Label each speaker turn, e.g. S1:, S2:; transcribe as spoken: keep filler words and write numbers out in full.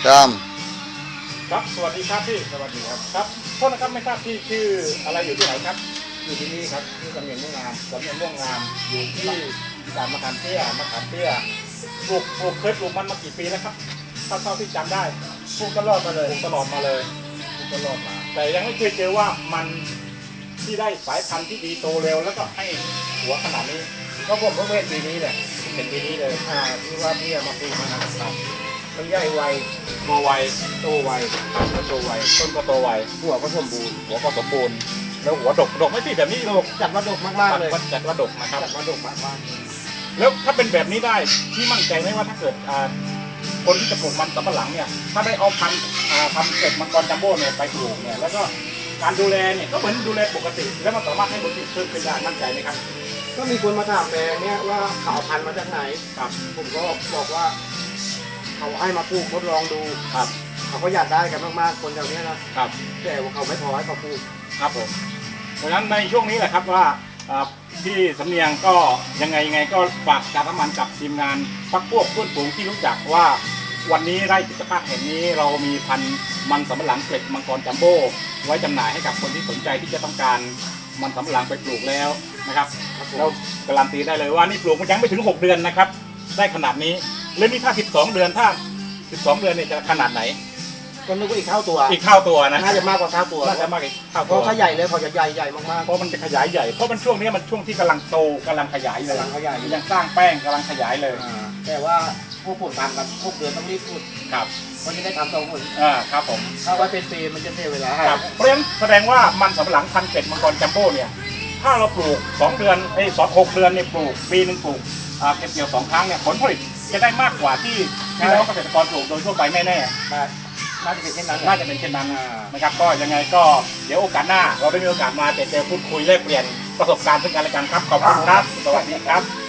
S1: ตาม
S2: ครับสวัสดีครับพี่สวัสดีครับครับโทษนะครับไม่ทราบพี่ชื่ออะไรอยู่ที่ไหนครับอยู่ที่นี่ครับที่สำเนียงม่วงงามสำเนียงม่วงงามอยู่ที่ด่านมะขามเตี้ยมะขามเตี้ยปลูกปลูกเคยปลูกมันมากี่ปีแล้วครับเท่าเท่าที่จำได้ปลูกตลอดมาเลยปลูกตลอดมาเลยปลูกตลอดมาแต่ยังไม่เคยเจอว่ามันที่ได้สายพันธุ์ที่ดีโตเร็วแล้วก็ให้หัวขนาดนี้ก็ผมเพิ่งเห็นปีนี้แหละเห็นปีนี้เลยอ่าที่ว่าพี่มาปลูกมันนะครับมันใหญ่ไวโตไวโตไวก็โตไวต้นก็โตไวหัวก็สมบูรณ์หัวก็สมบูรณ์แล้วหัวดกดกไม่ติดแบบนี้ดกจัดว่าดกมากๆเลยจัดว่าดกนะครับจัดว่าดกมากๆแล้วถ้าเป็นแบบนี้ได้ที่มั่นใจไหมว่าถ้าเกิดคนที่จะปลูกมันสำปะหลังเนี่ยถ้าได้เอาพันธุ์พันธุ์เกล็ดมังกรจัมโบ้เนี่ยไปปลูกเนี่ยแล้วก็การดูแลเนี่ยก็เหมือนดูแลปกติแล้วมันสามารถให้ผลผลิตเพิ่มขึ้นได้มั่นใจไหมครับ
S3: ก็มีคนมาถามแปลงเนี่ยว่าเขาเอาพันธุ์มาจากไหนครับผมก็บอกว่าเขาให้มาปลูกทดลองดู
S2: ครับ
S3: เขาก็อยากได้กันมากๆคนแถวนี้นะครับแต่ว่าเขาไม่พอให้เขาปลูก
S2: ครับผมเพราะฉะนั้นในช่วงนี้แหละครับว่าพี่สำเนียงก็ยังไงยังไงก็ฝากการทำมันกับทีมงานพักพวกเพื่อนฝูงที่รู้จักว่าวันนี้ไร่กิจภาพแห่งนี้เรามีพันธุ์มันสำปะหลังเกล็ดมังกรจัมโบ้ไว้จำหน่ายให้กับคนที่สนใจที่จะต้องการมันสำปะหลังไปปลูกแล้วนะครับเราการันตีได้เลยว่านี่ปลูกมันยังไม่ถึงหกเดือนนะครับได้ขนาดนี้แล้วนี่ถ้าสิบสองเดือนถ้าสิบสองเดือนเนี่ยจะขนาดไหน
S3: ก็นึกว่าอีกเท่าตัว
S2: อีกเท่าตัวนะ
S3: น่าจะมากกว่าเท่าตัว
S2: น่าจะมากอีกเท่าตัว
S3: เพราะเขาใหญ่เลยเขาจะใหญ่ใหญ่มากๆ
S2: เพราะมันจะขยายใหญ่เพราะมันช่วงนี้มันช่วงที่กำลังโตกำลังขยายเลย
S3: กำลังขยาย
S2: ยังสร้างแป้งกำลังขยายเลย
S3: แต่ว่าพวกผมทำกันพวกเดือนต้องรีบพูด
S2: ครับ
S3: มันจะได้ทำตรงหมด
S2: อ่าครับผม
S3: ถ้าไว้เป็นปีมันจะเสียเวลา
S2: ครับเพราะฉะนั้นแสดงว่ามันสำปะหลังพันธุ์เกล็ดมังกรจัมโบ้เนี่ยถ้าเราปลูกสองเดือนไอ้สองหกเดือนเนี่ยปลูกปีนึงปลูกเก็บเกี่ยวสองครั้งเนี่ยผลผลิตจะได้มากกว่าที่พี่น้องเกษตรกรปลูกโดยทั่วไปแน่ๆ
S3: น่าจะเป็นเช่นนั้น
S2: น่าจะเป็นเช่นนั้นนะครับก็ยังไงก็เดี๋ยวโอกาสหน้าเราได้มีโอกาสมาเจอพูดคุยแลกเปลี่ยนประสบการณ์ซึ่งกันและกันครับขอบคุณครับสวัสดีครับ